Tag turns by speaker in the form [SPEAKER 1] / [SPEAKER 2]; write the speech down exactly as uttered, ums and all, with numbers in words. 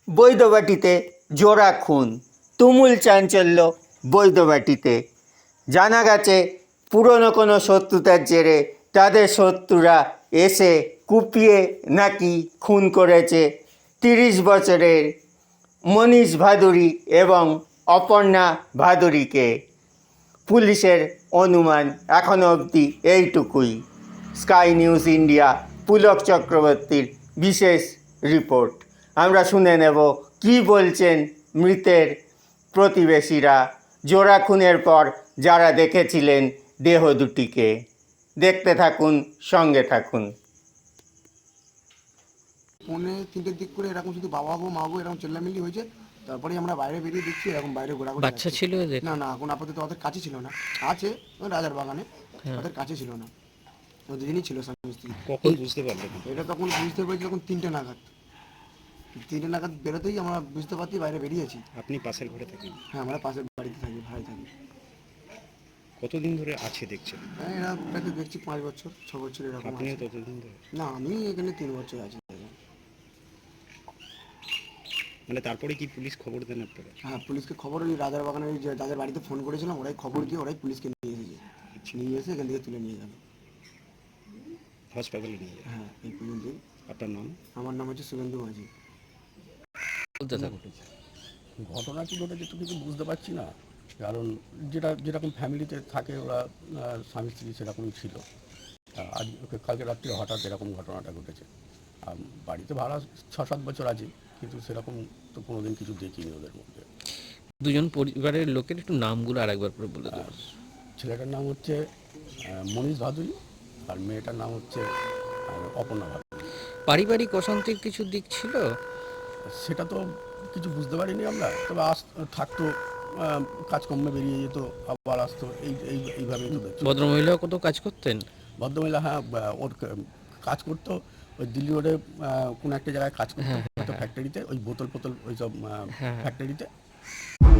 [SPEAKER 1] বৈদ্যবাটিতে জোড়া খুন, তুমুল চাঞ্চল্য বৈদ্যবাটিতে। জানা গেছে পুরনো কোনো শত্রুতার জেরে তাদের শত্রুরা এসে কুপিয়ে নাকি খুন করেছে তিরিশ বছরের মনীষ ভাদুরী এবং অপর্ণা ভাদুরীকে। পুলিশের অনুমান এখনও অবধি এইটুকুই। স্কাই নিউজ ইন্ডিয়া পুলক চক্রবর্তীর বিশেষ রিপোর্ট। আমরা শুনে নেব কি বলছেন মৃতের প্রতিবেশীরা, জোড়া খুনের পর যারা দেখেছিলেন দেহ দুটিকে। দেখতে থাকুন, সঙ্গে থাকুন।
[SPEAKER 2] পৌনে তিনটের দিক করে এরকম শুধু বাবা গো মা গো এরকম চেল্লামিল্লি হয়েছে। তারপরে আমরা বাইরে বেরিয়ে দেখছি এরকম বাইরে ঘোরাঘুরি
[SPEAKER 3] বাচ্চা
[SPEAKER 2] যাচ্ছে।
[SPEAKER 3] ছিল এদের?
[SPEAKER 2] না না এখন আপাতত ওদের কাছে ছিল না, আছে ওই রাজার বাগানে,
[SPEAKER 3] হ্যাঁ।
[SPEAKER 2] ওদের কাছে ছিল না, ওদের দিনই ছিল স্বামী স্ত্রী।
[SPEAKER 4] কখন বুঝতে পারলেন?
[SPEAKER 2] এটা তখন বুঝতে পেরেছি তখন তিনটে নাগাদ, তিনটে নাগাদ বেরোতেই আমরা বুঝতে পারছি বাইরে বেরিয়েছি।
[SPEAKER 4] আপনি পাশের ঘরে থাকেন?
[SPEAKER 2] হ্যাঁ আমরা পাশের বাড়িতে থাকি, ভাই থাকি।
[SPEAKER 4] কতদিন ধরে আছে দেখছেন?
[SPEAKER 2] হ্যাঁ এরা প্রায় তো দেখছি পাঁচ বছর ছ বছর এরকম
[SPEAKER 4] আপনিও
[SPEAKER 2] আছে।
[SPEAKER 4] ততদিন ধরে?
[SPEAKER 2] না আমি এখানে তিন বছর আছি।
[SPEAKER 4] মানে তারপরে কি পুলিশ খবর দেন আপনারা?
[SPEAKER 2] হ্যাঁ পুলিশকে খবর, ওই রাজার বাগানের ওই যে যাদের বাড়িতে ফোন করেছিলাম ওরাই খবর দিয়ে ওরাই পুলিশকে নিয়ে এসেছে, নিয়ে এসে এখান থেকে তুলে নিয়ে গেল।
[SPEAKER 4] হাসপাতালে নিয়ে যায়?
[SPEAKER 2] হ্যাঁ এই পর্যন্তই।
[SPEAKER 4] আপনার নাম?
[SPEAKER 2] আমার নাম হচ্ছে শুভেন্দু মাঝি।
[SPEAKER 3] বলতে থাকুন।
[SPEAKER 5] ঘটনা কি ঘটেছে তো কিছু বুঝতে পারছি না, কারণ যেটা যেরকম ফ্যামিলিতে থাকে ওরা আহ, স্বামী স্ত্রী সেরকমই ছিল। আহ, আজ ওকে কালকে রাত্রে হঠাৎ এরকম ঘটনাটা ঘটেছে। আর বাড়িতে ভাড়া ছ সাত বছর আছে, কিন্তু সেরকম তো কোনোদিন কিছু দেখিনি ওদের মধ্যে।
[SPEAKER 3] দুজন পরিবারের লোকের একটু নামগুলো আরেকবার করে বলে দেবেন।
[SPEAKER 5] ছেলেটার নাম হচ্ছে আহ, মনীষ ভাদুরী, আর মেয়েটার নাম হচ্ছে আহ, অপর্ণা ভাদুরী।
[SPEAKER 3] পারিবারিক অশান্তির কিছু দিক ছিল?
[SPEAKER 5] সেটা তো কিছু বুঝতে পারিনি আমরা, তবে আস থাকতো, আহ, কাজকর্মে বেরিয়ে যেত, আবার আসতো, এই এই এইভাবেই তো দেখছি।
[SPEAKER 3] ভদ্রমহিলাও কত কাজ করতেন?
[SPEAKER 5] ভদ্রমহিলা, হ্যাঁ, বা- ওর ক- কাজ করতো ওই দিল্লি রোডে কোনো একটা জায়গায় কাজ করতো, হয়তো ফ্যাক্টরিতে, ওই বোতল ফোতল ওই সব ফ্যাক্টরিতে।